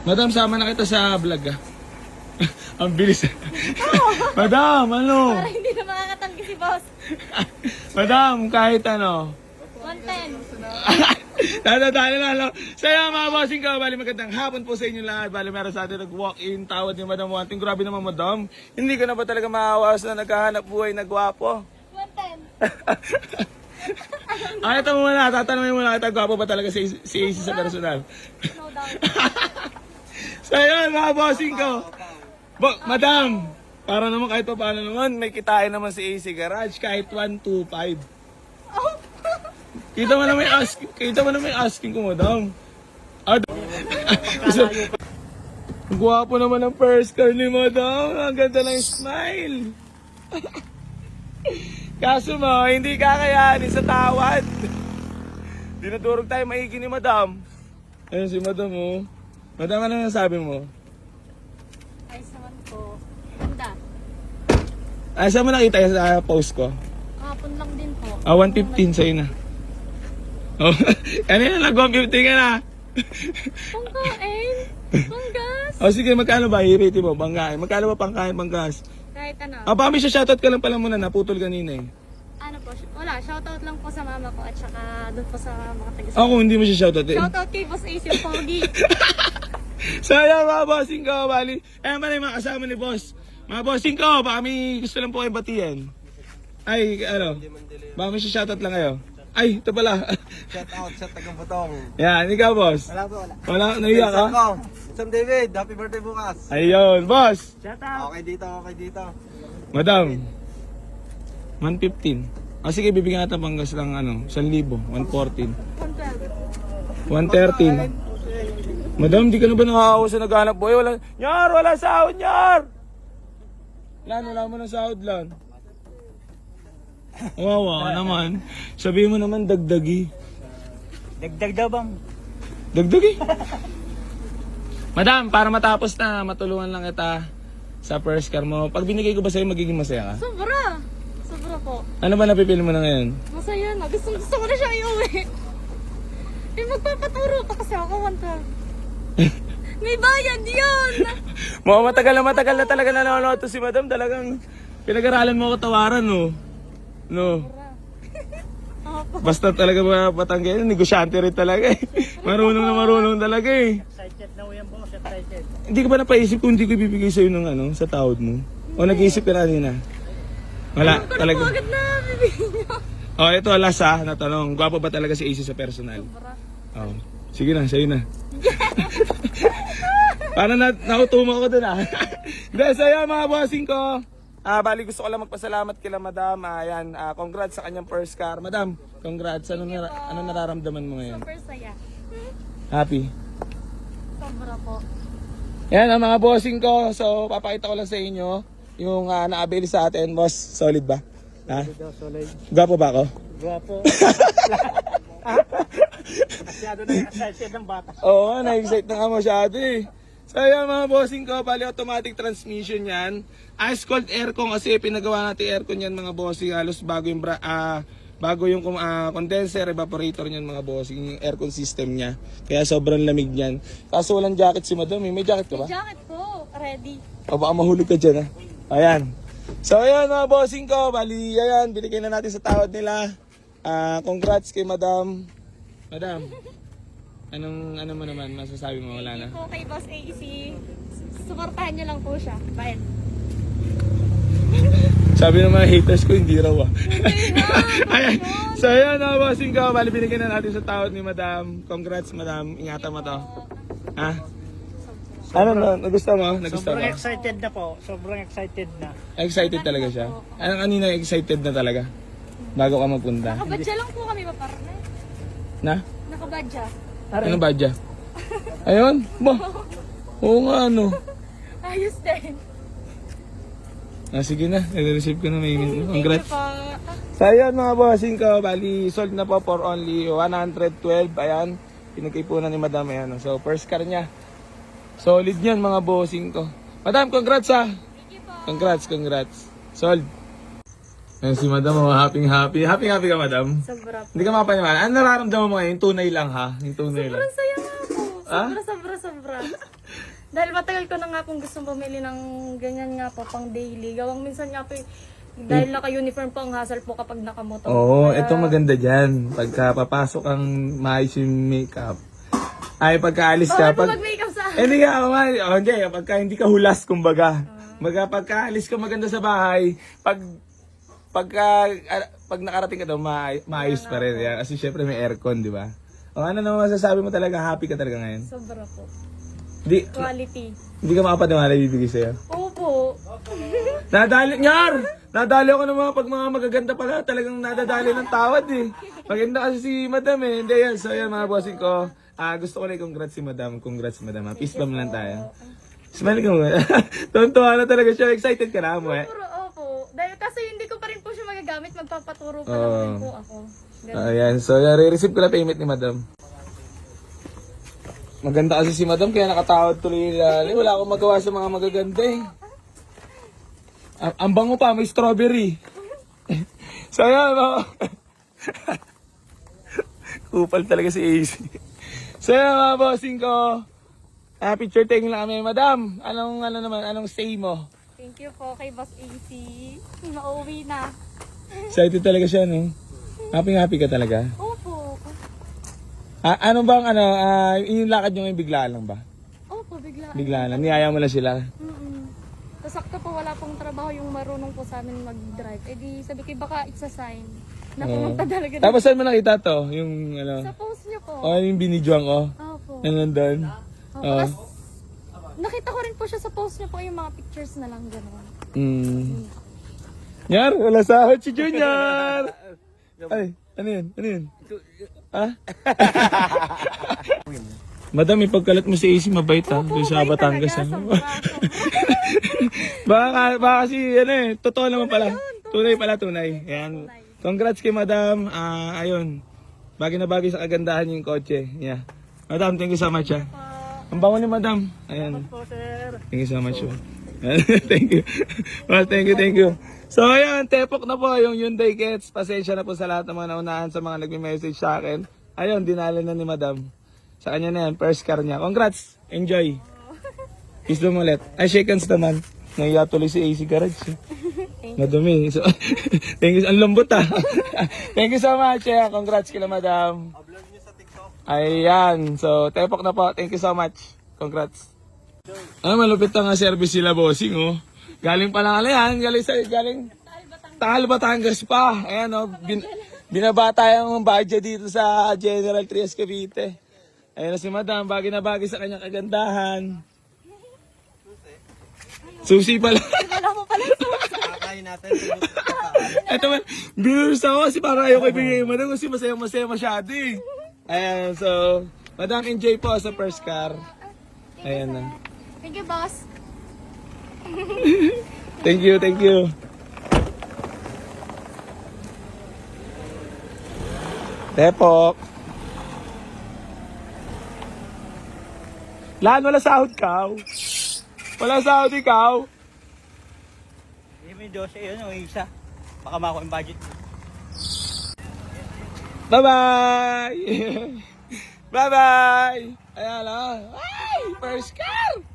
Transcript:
Madam, sama na kita sa vlog ah. Ang bilis. Madam, ano? Para hindi na makakatanggi si boss. Madam, kahit ano. 110. Talo na. Saya mga bossing ko, bali magandang hapon po sa inyo lahat. Bali meron sa atin nag-walk-in, tawad ni Madam Wanting. Grabe naman Madam. Hindi ka na ba talaga maawas na naghahanap buhay na gwapo? 110. Ay, ito muna, tatanungin mo na kita, gwapo ba talaga si AC sa personal? No doubt. So yun mga bossing ko. Madam, para naman kahit pa paano naman, may kitain naman si AC Garage kahit 125. Kita mo na may asking ko, madam. Ang gwapo naman ng first car ni madam. Ang ganda ng smile. Kaso mo, hindi kakayanin sa tawad. Dinadurog tayo maigi ni madam. Ayun si madam oh. Madam, ano nasabi mo? Ayos naman po. Ganda. Ay, saan mo nakita yung sa post ko? Kahapon lang din po. 115 sa'yo na. Oh, kanina lang 115 ka na. Pangkain. Panggas. O sige, magkano ba? I-rate mo, bangkain. Magkano ba pangkain, banggas? Kahit ano. Pami siya, shoutout ka lang pala muna, naputol kanina eh. Ano po? Wala. Shoutout lang po sa mama ko at saka doon po sa mga taga. Ako, hindi mo siya shoutout eh. Shoutout kay Boss Ace yung pogi. So yan mga bossing ko, bali. Ayan pala yung mga kasama ni boss. Mga bossing ko, baka may gusto lang po kayo batiyan. Ay, ano? Baka may shoutout lang kayo. Ay, ito pala. Shout out sa tagang Butong. Yan, ikaw boss. Wala po, wala. Wala, naiyak ka? Sam David, happy birthday bukas. Ayun, boss. Okay dito. Madam, 115. Ah, sige, bibigyan natin panggas lang ano, 1,000, 114. 112. 113. Madam, di ka na ba nakakawa sa naghanap boy? Wala sahod, Nyar! Wala mo ng sahod lan. Wawa ka naman. Sabihin mo naman, dagdagi. Dagdag daw bang? Dagdagi? Madam, para matapos na, matulungan lang kita sa first car mo. Pag binigay ko ba sa'yo, magiging masaya ka? Sobra. Sobra po. Ano ba napipili mo na ngayon? Masaya na. Gusto ko na siya iuwi. Eh, magpapaturo pa kasi ako kanta. May bayad yun! Matagal na talaga nanonood to si Madam. Talagang pinag-aralan mo ako tawaran, no? No. Opo. Basta talaga mga Batanggay, negosyante rin talaga eh. Marunong talaga eh. Excited na yan boss, excited. Hindi ka ba napaisip kung hindi ko ibibigay sa'yo ng ano, sa tawad mo? O nag-iisip ka na rin Wala, talaga. Agad na bibigyan niyo. Oh, ito last na tanong. Gwapo ba talaga si AC sa personal? Sobra. Oh. Sige na, sa'yo na. Para nautuma ko dun Hindi, sa'yo mga bossing ko. Bali gusto ko lang magpasalamat kila Madam. Ayan, congrats sa kanyang first car. Madam, congrats. Ano nararamdaman mo ngayon? Super saya. Happy? Sobra po. Yan ang mga bossing ko. So, papakita ko lang sa inyo yung na-avail sa atin. Boss, solid ba? Ha? Solid. Gwapo ba ako? Guwapo. Masyado na excited ng bata. Oo, na-excite na nga masyado eh. So yan mga bossing ko, bali automatic transmission yan. Ice cold aircon kasi pinagawa natin aircon yan mga bossing. Halos bago yung condenser, evaporator niyan mga bossing, yung aircon system niya. Kaya sobrang lamig niyan. Kaso walang jacket si Madam eh. May jacket ka ba? Jacket po. Ready. O baka mahulog ka dyan Ayan. So ayan mga bossing ko, bali ayan, binigay na natin sa tawad nila. Congrats kay Madam. Madam, ano mo naman masasabi mo? Wala na? Po kay Boss AC. Suportahan niyo lang po siya. Bye. Sabi ng mga haters ko, hindi raw Hindi na. Ayan. So ayan mga bossing ko, bali binigay na natin sa tawad ni Madam. Congrats Madam, ingatan mo to. Ha? Ano na, nagustuhan mo? Sobrang excited na po. Sobrang excited na. Excited talaga siya? Anong kanina excited na talaga? Bago ka magpunta? Nakabadya lang po kami paparne. Na? Nakabadya. Ano ba dyan? Ayun? Ba? Oo nga ano. Ayos din. Sige na, nare-receive ko na may congrats. Thank you po. So ayan mga bossing ko, bali sold na po for only 112. Ayan, pinagkipunan ni Madam. Ayan. So first car niya. Solid yan mga bossing ko. Madam, congrats Thank you po. Congrats. Sold. Ayan si Madam, happy. Happy ka Madam? Sobra po. Hindi ka mapaniwala. Ano nararamdaman mo ngayon? Yung tunay lang ha? Yung tunay lang. Sobrang saya nga po. Ah? Sobra. Dahil matagal ko na nga pong gustong bumili ng ganyan nga po, pang daily. Gawang minsan nga po, dahil naka-uniform po ang hassle po kapag nakamotor. Oo, Kaya- ito maganda dyan. Pagka papasok ang maayos yung makeup. Ay, pagkaalis ka. Bawal po mag-makeup sa akin. Hindi ka, hindi. Pagka hindi ka hulas, kumbaga. Pagkaalis ka maganda sa bahay, pag nakarating ka daw, maayos pa rin. Yan. Kasi syempre may aircon, di ba? O ano naman masasabi mo talaga, happy ka talaga ngayon? Sobra po. Quality. Quality. Hindi ka makapaniwala ibibigay sa'yo. Opo. Nadali, Nyar! Nadali ako ng pag mga magaganda pala, talagang nadadali ng tawad eh. Maganda kasi si Madam eh. Hindi yan. So yan mga bossing ko. Gusto ko na i-congrats si Madam. Congrats Madam. Peace bomb lang tayo. Smile ka mo. Tuntua na talaga siya. Excited ka na mo eh. Puro opo. Dahil kasi hindi ko pa rin po siya magagamit, magpapaturo pa lang rin po ako. Ganun. Ayan. So yan, re-receive ko na payment ni Madam. Maganda kasi si Madam kaya nakatawad tuloy yung wala akong magawa sa mga magaganda eh. Ang bango pa, may strawberry. So yan, kupal talaga si AC. So yan mga bossing ko. Picture taking lang kami, Madam. Anong say mo? Thank you po kay Boss AC. Nauwi na. Excited talaga siya, no? Happy ka talaga. Opo. Ano bang, yung lakad nyo ngayon biglaan lang ba? Opo, bigla. Biglaan lang, niyaya mo lang sila. Tapos sakto po wala pong trabaho yung marunong po sa amin mag-drive. Eh di sabi ko baka it's a sign na pumunta talaga Tapos saan mo nakita to? Yung sa post niyo po. yung binidyoan ko. Opo. Ano nandun? Opo. Tapos nakita ko rin po siya sa post niyo po yung mga pictures na lang gano'n. Nyar, wala sahod si Junior! Ay, ano yun? Ha? Madam, ipagkalat mo si AC, mabait ha. Doon sa Batangas ha. baka kasi, totoo naman pala. Tunay. Ayan. Congrats kay Madam. Ayun. Bagay na bagay sa kagandahan yung kotse. Yeah. Madam, thank you so much ha. Ang bango ni Madam. Ayan. Po, sir. Thank you so much. Thank you. Well, thank you. So ayan, tepok na po yung Hyundai Getz. Pasensya na po sa lahat ng mga naunahan sa mga nagme-message sa akin. Ayun, dinala na ni Madam. Sa kanya na yan, first car niya. Congrats! Enjoy! Kiss mo ulit. Ay, shake hands naman. Nahiya tuloy si AC Garage. Madumi. So, thank you. Ang lambot ha. Thank you so much. Yeah. Congrats kila Madam. Ayan. So, tepok na po. Thank you so much. Congrats. Malupit na nga service sila, bossing, oh. Galing pa lang yan. Galing Taal Batangas pa. Ayan, oh. Binabata yung budget dito sa General Trias Cavite. Ayan na si Madam. Bagay na bagay sa kanyang kagandahan. Susi pala. Wala mo pala susi. Kakain natin. Ito man, binurus ako kasi para ayaw ko ibigay yung Madam kasi masaya masyado eh. Ayan, so, Madam, enjoy po sa first car. Ayan na. Thank you, boss. Thank you. Tepok. Lan, wala sahod ka. Wala sahod ikaw. Hindi mo yung 12 yun, yung isa. Baka makuha yung budget. Bye-bye! Bye-bye! Ayan na. Ay! First car!